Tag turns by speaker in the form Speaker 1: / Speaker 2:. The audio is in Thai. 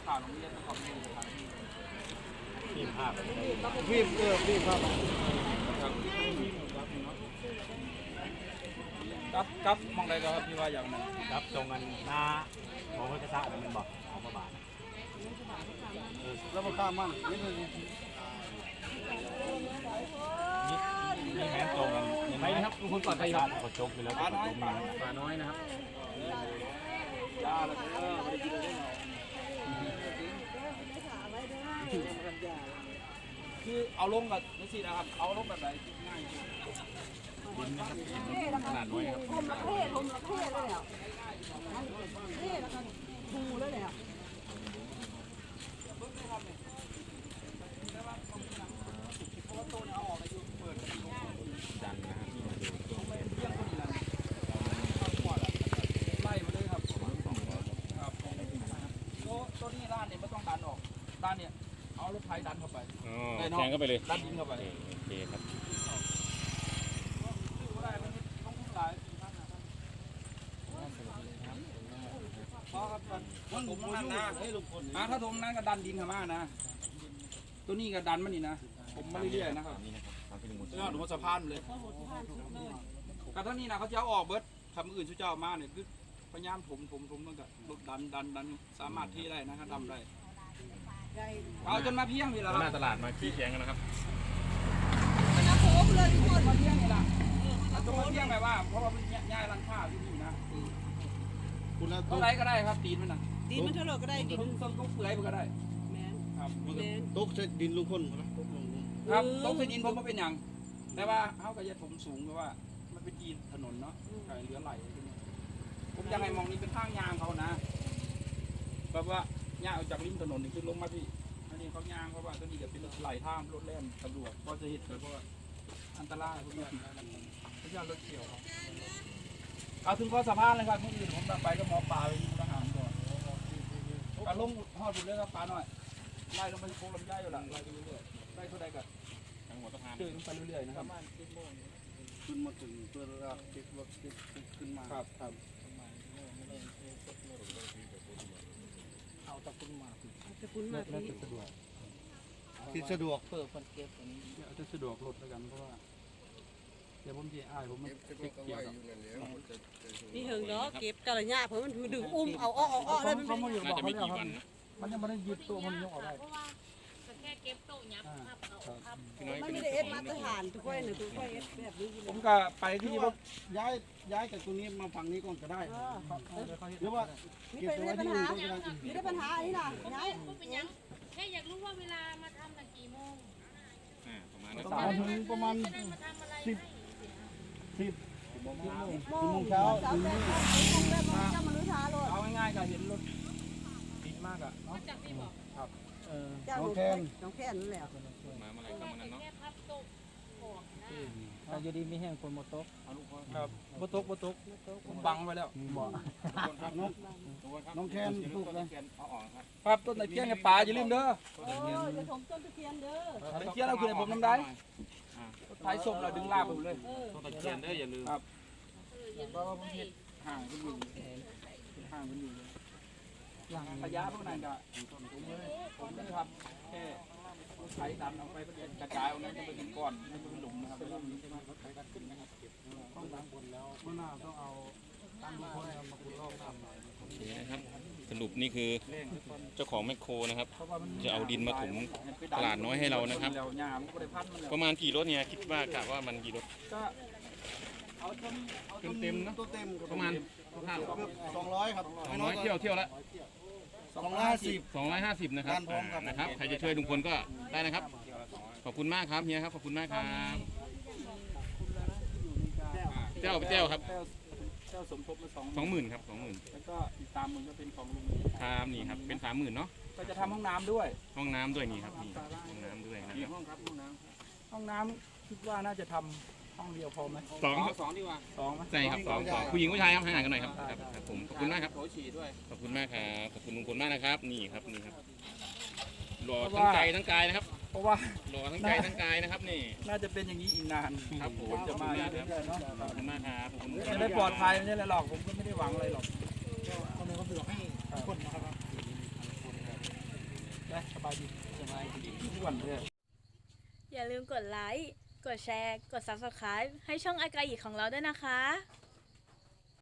Speaker 1: ข่าวโรงเรียนเขาไม่ได้ทาง
Speaker 2: ทีมภาพ
Speaker 1: วิ่งวิ่งครับครับมองอะไรก็ครับพี่ว่าอย่างนั้น
Speaker 2: ครับตรงกันหน้าของพระกษัตริย์มันบอกของพระบาท
Speaker 1: แล้วมาข้ามมั่งนี่คือ
Speaker 2: มีแผนตรงกันไปนะครับทุกคนก่อนไปครับกดจกไปแล้วปลาน้อยนะครับ
Speaker 1: ยาแล้วไม่ได้กินเลยคือเอาลงแบบนี่สินะครับเอาลงแบบไหนง่าย
Speaker 2: ดินนะครับขนาดน้อยครับ
Speaker 3: ผมละเทศเลยแล้วเทศแล้วก็ทูเลยแล้ว
Speaker 2: ดันนะครับ
Speaker 1: ไล่มาเลยครับครับตัวนี้ด้านเนี่ยไม่ต้องดันออกด้านเนี่ยเอารถไถดันเข้าไป
Speaker 2: แทงเข้าไปเลย
Speaker 1: ดันดินเข้าไป
Speaker 2: โอเคครับ
Speaker 1: เพราะครับถ้าถมนั้นนะถ้าถมนั้นก็ดันดินเข้ามานะตัวนี้ก็ดันมันนี่นะผมมาเรื่อยๆนะครับนี่ดูว่าสะพานเลยกับท่านี้นะเขาจะเอาออกเบิร์ดทำอื่นช่วยเจ้ามาเนี่ยคือพยายามถมตั้งแต่รถดันสามารถที่ได้นะครับดำได้เอาจนมาเพียงนี่แหละครับ
Speaker 2: หน้าตลาดมาขี้แข่งกันนะครับ
Speaker 3: มาโผล่เลยทุกคน
Speaker 1: มาเพียงนี่แหละจนมาเพียงแบบว่าเพราะว่ามันย้ายร้านค้าที่นี่นะเท่าไรก็ได้ครับตีนมันนะ
Speaker 3: ดินมันเท่าไรก็ได้ดิน
Speaker 1: ต้นเปื่อยมันก็ได้
Speaker 3: แม่
Speaker 1: ครับ
Speaker 4: ตกใส่ดินลุงพล
Speaker 1: ครับตกใส่ดินผมก็เป็นอย่างแต่ว่าเขาก็จะถมสูงเพราะว่ามันเป็นดินถนนเนาะไก่เหลือไหลผมยังไงมองนี่เป็นทางยางเขานะแบบว่าย่างออกจากริมถนนนี่คือลงมาที่อันนี้เขายางเพราะว่าตัวนี้ก็เป็นไหลทางรถแล่นตำรวจก็จะเห็นเลยเพราะว่าอันตรายพวกนี้เขาจะรถเกี่ยวเอาถึงข้อสะพานเลยครับเมื่อคืนผมไปก็มอปลาไปที่ทหารก่อนการลงห่อดุเลยครับปลาหน่อยไล่ลงไปโค้งลำไยอยู่หลังไล่ไปเรื่อยๆไล่เท่าใดกัน
Speaker 2: ทั้งหมดสะพาน
Speaker 1: เดินไปเรื่อยๆนะครับ
Speaker 4: ขึ้นมาถึงตัวระติดรถติดขึ้นมา
Speaker 1: ครับ
Speaker 3: เอาตะปุนมาที่
Speaker 4: สะดวกที่สะดวก
Speaker 3: เปิดคนเก็บอันนี้
Speaker 1: จะสะดวกรถแล้วกันเพราะว่าเดี๋ยวผมจะอ้ายผมมันเก็บเกี่ยว
Speaker 3: นี่เหิงเนาะเก็บกระยาเพราะมันดึงเอาอ้อเลยมัน
Speaker 1: เขาอยู่บอกเขาเนี่ยครับมันยังไม่ได้ยึดตัวมันยกออกได้
Speaker 5: แค่เก็บโต๊ะยับ
Speaker 3: มันไม่ได้เอ็ดมาตรฐานทุกคนหนึ่งทุกคนเอ็ดแบบนี้
Speaker 1: ผมก็ไปที่ว่า
Speaker 4: ย้ายจากตรงนี้มาฝั่งนี้ก่อนก็ได้หรือว่าเก็บไว้ที่อื่นก็ได้
Speaker 3: ไม่ได้ปัญหาอันนี้นะย้าย
Speaker 5: แค่อยากรู้ว่าเวลามาทำกี่โมง
Speaker 4: ประมาณ10 โมงเช้า
Speaker 1: เอาง่ายๆก็เห็นรถติดมากอ่ะเนาะครับ
Speaker 3: น้องแค่นั่นแหละ
Speaker 2: มาเมื่อไรก็มานั้นเนาะ
Speaker 1: เราจะดีมีแห้งคนโมโต๊ะครับโมโต๊ะผมบังไว้แล้ว
Speaker 4: น้องแคนปลูกเลย
Speaker 1: ครับต้นตะเคียนกับป่าอย่าลืมเด้อ
Speaker 3: จะถมต้นตะเคียนเด้อ
Speaker 1: ตะเคียนเราคือผมน้ำได้ท้ายศพเราดึงลาบผมเลย
Speaker 2: ต้นตะเคียนเด้ออย่าลืม
Speaker 1: ครับเพราะว่าผมเห็นห่างกันอยู่ระยะพวกนั้นก็ผมไม่ทำแค่ใช้ดันเอาไปกระจายเอานั้นจะเป็นก้อนจะเป็นหลุมนะครับเป็นหลุมนี้ใช่ไหมใช้ดันขึ้นนะครับต้องดันบนแล้วเมื่อหน้าต้องเอาตั้งลูกค้อยมาคุณรอบน้ำ
Speaker 2: โอเคนะครับสรุปนี่คือเจ้าของแมคโครนะครับจะเอาดินมาถมตลาดน้อยให้เรานะครับประมาณกี่รถเนี่ยคิดว่ากะว่ามันกี่รถเต็มนะประมาณ
Speaker 4: 200ครับ
Speaker 2: 200เที่ยวละ250นะครับใครจะช่วยลุงพลก็ได้นะครับขอบคุณมากครับเฮียครับขอบคุณมากครับเจ้าครับ
Speaker 1: เจ้าสมทบมา
Speaker 2: 20,000ครับ20,000
Speaker 1: แล้วก็อีก30,000ก็เป็นของลุง
Speaker 2: ครับนี่ครับเป็น30,000เนาะ
Speaker 1: ก็จะทำห้องน้ำด้วย
Speaker 2: นี่ครับนี่ห้องน้ำด้วยนะครับ
Speaker 1: ห้องน้ำคิดว่าน่าจะทำห้องเดียวพอไหม
Speaker 2: 2ดีกว่า2ไหมใช่ครับ2ผู้หญิงผู้ชายครับห่างกันหน่อยครับผมขอบคุณมากครับขอบคุณมากครับขอบคุณลุงพลมากนะครับนี่ครับหล่อทั้งใจทั้งกายนะครับ
Speaker 1: เพราะว่า
Speaker 2: หล่อทั้งใจทั้งกายนะครับนี่
Speaker 1: น่าจะเป็นอย่างนี้อีกนาน
Speaker 2: ครับผม
Speaker 1: จะมาเรื่อยๆเนาะ
Speaker 2: ขอบคุณมากครับ
Speaker 1: จะได้ปลอดภัยไม่ใช่อะไรหรอกผมก็ไม่ได้หวังอะไรหรอก
Speaker 4: คนนี้ก็เสือกให้คนนะครับ
Speaker 1: ายดีสบายดีทุกวันเลย
Speaker 6: อย่าลืมกดไลค์ กดแชร์ กด Subscribe ให้ช่องอากาอีของเราด้วยนะคะ